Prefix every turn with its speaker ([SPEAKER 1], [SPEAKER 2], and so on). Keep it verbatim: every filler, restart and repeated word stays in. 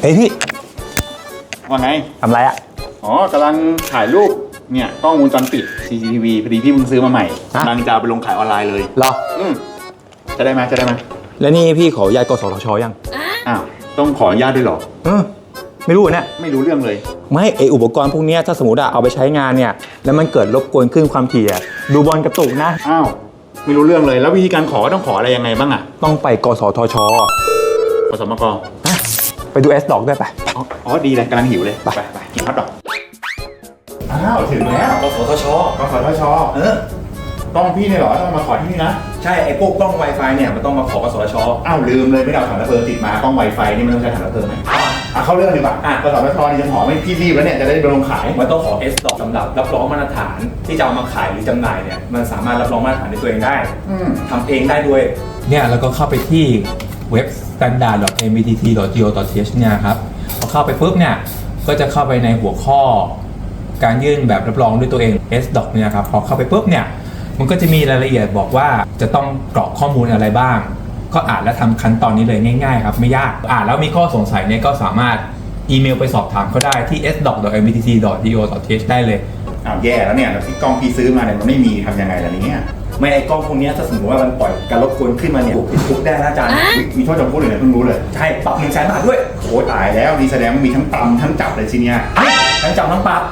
[SPEAKER 1] ฮ้ยพี่
[SPEAKER 2] ว่าไง
[SPEAKER 1] ทำไรอะ
[SPEAKER 2] อ๋อกำลังถ่ายรูปเนี่ยกล้องวงจรปิด ซี ซี ที วี พอดีพี่เพิ่งซื้อมาใหม่กำลังจะเอาไปลงขายออนไลน์เลย
[SPEAKER 1] เหรอ
[SPEAKER 2] อืมจะได้ไหมจะได้ไหม
[SPEAKER 1] แล้วนี่พี่ขออนุญาตกสทชยัง
[SPEAKER 2] อ้าวต้องขออนุญาตด้วยเหรอ
[SPEAKER 1] เออไม่รู้เนี่ย
[SPEAKER 2] ไม่รู้เรื่องเลย
[SPEAKER 1] ไม่ไออุปกรณ์พวกเนี้ยถ้าสมมติอะเอาไปใช้งานเนี่ยแล้วมันเกิดรบกวนขึ้นความถี่อะดูบอลกระตุกนะ
[SPEAKER 2] อ้าวไม่รู้เรื่องเลยแล้ววิธีการขอต้องขออะไรยังไงบ้างอ่ะ
[SPEAKER 1] ต้องไปกสทช
[SPEAKER 2] ขอสมก
[SPEAKER 1] ฮะไปดู S ดอกด้วยไป
[SPEAKER 2] อ๋ออ๋อดีเลยกำลังหิวเลยไปไปกินฮอทดอกอ้าวถึงแล้ว
[SPEAKER 1] กสทช
[SPEAKER 2] กสทช
[SPEAKER 1] เออ
[SPEAKER 2] ต้องพี่เนี่ยเหรอต้องมาขอที่นี่นะ
[SPEAKER 1] ใช่ไอพวกกล้อง Wi-Fi เนี่ยมันต้องมาขอกสทช
[SPEAKER 2] อ้าวลืมเลยไม่ได้เอาถังระเบิดติดมากล้องไวไฟนี่มันต้องใช้ถังระเบิดไหมอ่ะเข้าเรื่องดีกว่าอ่ะกสทชนี่จะขอไม่พี่รีบแล้วเนี่ยจะได้ไปลงขาย
[SPEAKER 1] มันต้องขอ S ดอกสำหรับรับรองมาตรฐานที่จะเอามาขายหรือจำหน่ายเนี่ยมันสามารถรับรองมาตรฐานในตัวเองได้
[SPEAKER 2] อืม
[SPEAKER 1] ทำเองได้ด้วยเนี่ยแล้วก็เข้าไปที่เว็บ สแตนดาร์ด ดอท เอ็ม บี ที ที ดอท จี โอ ดอท ที เอช เนี่ยครับพอเข้าไปปุ๊บเนี่ยก็จะเข้าไปในหัวข้อการยื่นแบบรับรองด้วยตัวเอง S ดอกเนี่ยครับพอเข้าไปปุ๊บเนี่ยมันก็จะมีรายละเอียดบอกว่าจะต้องกรอกข้อมูลอะไรบ้างก็อ่านและทำขั้นตอนนี้เลยง่ายๆครับไม่ยากอ่านแล้วมีข้อสงสัยเนี่ยก็สามารถอีเมลไปสอบถามเขาได้ที่ เอส ดอก ดอท เอ็ม บี ที ที ดอท จี โอ ดอท ที เอช ได้เลย
[SPEAKER 2] อ้าวแย่แล้วเนี่ยแล้วที่กล้องพี่ซื้อมาเนี่ยมันไม่มีทำยังไงล่ะเนี่ย
[SPEAKER 1] ไม่ไอ้กล้องพวกนี้ถ้าสมมติว่ามันปล่อยการรบกวนขึ้นมาเนี่ยถูกติดคุกได้นะอาจารย์
[SPEAKER 2] อุ๊ยมีโทษจำคุกเลยเนี่ยเพิ่งรู้เลย
[SPEAKER 1] ใช่ปรับหนึ่งแสนบาทด้วย
[SPEAKER 2] โอ้ตายแล้วนี่แสดงว่ามีทั้งตำทั้งจับเลยทีเนี้ย
[SPEAKER 1] ทั้งจำทั้งปรับ